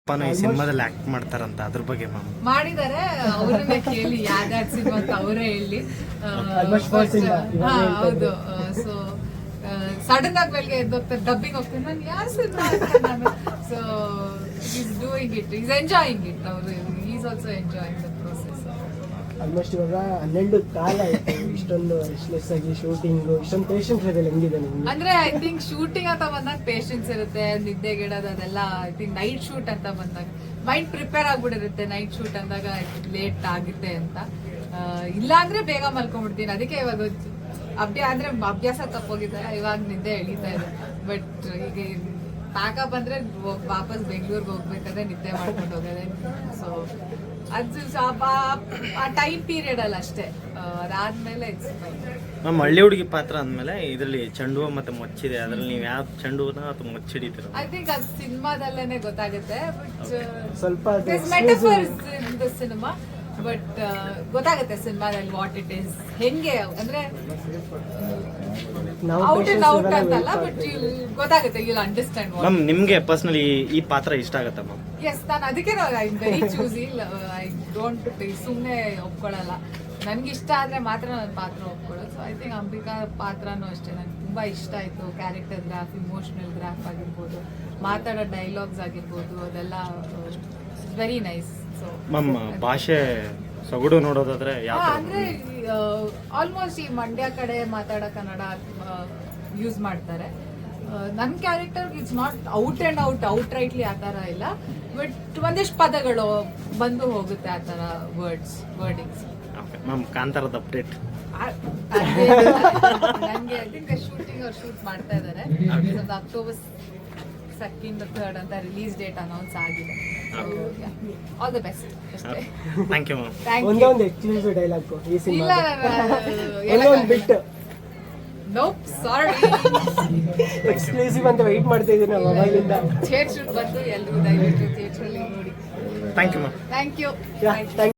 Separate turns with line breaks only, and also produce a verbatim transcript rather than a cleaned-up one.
ಅಪ್ಪನು ಈ ಸಿನಿಮಾದಲ್ಲಿ ಆಕ್ಟ್ ಮಾಡ್ತಾರಂತ ಅದ್ರ ಬಗ್ಗೆ ಮ್ಯಾಮ್
ಮಾಡಿದ್ದಾರೆ. ಅವ್ರನ್ನೇ ಕೇಳಿ ಯಾವ್ದಾದ್ ಸಿನಿಮಾ ಅಂತ ಅವರೇ ಹೇಳಿ. ಹಾ ಹೌದು. ಸೊ ಸಡನ್ ಆಗಿ ಬೆಳಗ್ಗೆ ಎದ್ದು ಹೋಗ್ತಾರೆ, ಡಬ್ಬಿಂಗ್ ಹೋಗ್ತಾರೆ, ನಾನು ಯಾರು ಸಿನಿಮಾ ನಾನು. So is doing it, is enjoying it. ಅವರು is also enjoying the process.
Almost ಇವಾಗ ಹನ್ನೆರಡು ಕಾಲ ಆಯ್ತು, ಇಷ್ಟೊಂದು ರೆಸ್ಟ್ಲೆಸ್ ಆಗಿ ಶೂಟಿಂಗ್, ಇಷ್ಟೊಂದು ಪೇಷನ್ಸ್ ಇದೆ ಹೆಂಗಿದೆ ನಿಮ್ಗೆ?
ಅಂದ್ರೆ ಐ ಥಿಂಕ್ ಶೂಟಿಂಗ್ ಅಂತ ಬಂದಾಗ ಪೇಷನ್ಸ್ ಇರುತ್ತೆ, ನಿದ್ದೆಗೆಡೋದು ಅದೆಲ್ಲ. ಐ ಥಿಂಕ್ ನೈಟ್ ಶೂಟ್ ಅಂತ ಬಂದಾಗ ಮೈಂಡ್ ಪ್ರಿಪೇರ್ ಆಗ್ಬಿಟ್ಟಿರುತ್ತೆ. ನೈಟ್ ಶೂಟ್ ಅಂದಾಗ ಲೇಟ್ ಆಗುತ್ತೆ ಅಂತ. ಇಲ್ಲ ಅಂದ್ರೆ ಬೇಗ ಮಲ್ಕೊಂಡ್ಬಿಡ್ತೀನಿ. ಅದಕ್ಕೆ ಇವಾಗ ಅಭ್ಯಾಸ ಅಂದ್ರೆ ಅಭ್ಯಾಸ ತಪ್ಪೋಗಿದೆ, ಇವಾಗ ನಿದ್ದೆ ಎಳೀತಾ ಇದೆ. ಬಟ್ ಈಗ ಪ್ಯಾಕಪ್ ಅಂದ್ರೆ ವಾಪಸ್ ಬೆಂಗಳೂರಿಗೆ ಹೋಗ್ಬೇಕಾದ್ರೆ ನಿದ್ದೆ ಮಾಡ್ಕೊಂಡು ಹೋಗೋದೆ. ಸೊ ಅದು ಆ ಟೈಮ್ ಪೀರಿಯಡ್ ಅಲ್ಲಿ ಅಷ್ಟೇ. ಅದಾದ್ಮೇಲೆ
ಮ್ಯಾಮ್ ಹಳ್ಳಿ ಹುಡುಗಿ ಪಾತ್ರ ಅಂದ್ಮೇಲೆ ಇದರಲ್ಲಿ ಚೆಂಡು ಮತ್ತೆ ಮೊಚ್ಚಿದೆ, ಅದ್ರಲ್ಲಿ ನೀವು ಯಾವ ಚೆಂಡುನ ಅಥವಾ ಮೊಚ್ಚಿಡಿತೀರ?
ಐ ಥಿಂಕ್ ಅದು ಸಿನಿಮಾದಲ್ಲೇನೆ ಗೊತ್ತಾಗುತ್ತೆ. ಬಟ್
ಸ್ವಲ್ಪ
metaphors in the cinema. But ಗೊತ್ತಾಗುತ್ತೆ ಸಿನಿಮಾದಲ್ಲಿ ವಾಟ್ ಇಟ್ ಈಸ್, ಹೆಂಗೆ ಅಂದ್ರೆ ಔಟ್ ಅಂಡ್ ಔಟ್ ಅಂತಲ್ಲ, ಬಟ್ ಗೊತ್ತಾಗುತ್ತೆ, ಯು ವಿಲ್ ಅಂಡರ್ಸ್ಟ್ಯಾಂಡ್.
ಮ್ಯಾಮ್ ನಿಮ್ಗೆ ಪರ್ಸನಲಿ ಈ ಪಾತ್ರ ಇಷ್ಟ ಆಗತ್ತಾ ಮ್ಯಾಮ್?
ಎಸ್, ನಾನು ಅದಕ್ಕೆ I very choosy. I don't ಸುಮ್ಮನೆ ಒಪ್ಕೊಳ್ಳಲ್ಲ. ನನ್ಗೆ ಇಷ್ಟ ಆದ್ರೆ ಮಾತ್ರ ನನ್ನ ಪಾತ್ರ ಒಪ್ಕೊಳ್ಳೋದು. ಸೊ ಐ ಥಿಂಕ್ ಅಂಬಿಕಾ ಪಾತ್ರನೂ ಅಷ್ಟೇ ನನಗೆ ತುಂಬಾ ಇಷ್ಟ ಆಯ್ತು. ಕ್ಯಾರೆಕ್ಟರ್ ಗ್ರಾಫ್, ಇಮೋಷನಲ್ ಗ್ರಾಫ್ ಆಗಿರ್ಬೋದು, ಮಾತಾಡೋ ಡೈಲಾಗ್ಸ್ ಆಗಿರ್ಬೋದು, ಅದೆಲ್ಲ ವೆರಿ ನೈಸ್. ಸೊ
ಮ್ಯಾಮ್ ಭಾಷೆ ಸೊಗಡು ನೋಡೋದಾದ್ರೆ ಯಾವ
ಅಂದ್ರೆ ಆಲ್ಮೋಸ್ಟ್ ಈ ಮಂಡ್ಯ ಕಡೆ ಮಾತಾಡೋ ಕನ್ನಡ ಯೂಸ್ ಮಾಡ್ತಾರೆ. ನನ್ನ character it's not out and out out rightly ಆ ಥರ ಇಲ್ಲ, ಬಟ್ ಒಂದಿಷ್ಟು ಪದಗಳು ಬಂದು ಹೋಗುತ್ತೆ ಆ ಥರ ವರ್ಡ್ಸ್ ವರ್ಡಿಂಗ್ಸ್.
ಮ್ಯಾಮ್ ಕಾಂತಾರದ ಅಪ್ಡೇಟ್
ನನಗೆ ಐ ಥಿಂಕ್ ಶೂಟಿಂಗ್ ಅವ್ರು ಶೂಟ್ ಮಾಡ್ತಾ ಇದ್ದಾರೆ. ಅಕ್ಟೋಬರ್ ಸೆಕೆಂಡ್ ಥರ್ಡ್ ಅಂತ ರಿಲೀಸ್ ಡೇಟ್ ಅನೌನ್ಸ್ ಆಗಿದೆ. ಆಲ್ ದ ಬೆಸ್ಟ್ ಅಷ್ಟೇ.
Thank you ma'am.
Thank you.
ಒಂದೊಂದು ಎಕ್ಸ್ಕ್ಲೂಸಿವ್ ಡೈಲಾಗ್ ಈ
ಇಲ್ಲ
ಸಿನಿಮಾ,
ನಾನು
ಒಂದೊಂದು ಬಿಟ್ಟು
ನೋಪ್ ಸಾರಿ
ಎಕ್ಸ್ಕ್ಲೂಸಿವ್ ಅಂತ ವೆಯ್ಟ್ ಮಾಡ್ತಾ ಇದ್ದೀನಿ ನಾವು ಅವಾಗಿಂದ.
ಥಿಯೇಟರ್ ಬಂದು ಎಲ್ಲರೂ ದಯವಿಟ್ಟು ಥಿಯೇಟರ್ ಅಲ್ಲಿ ನೋಡಿ.
Thank you ma'am.
Thank you.
Thank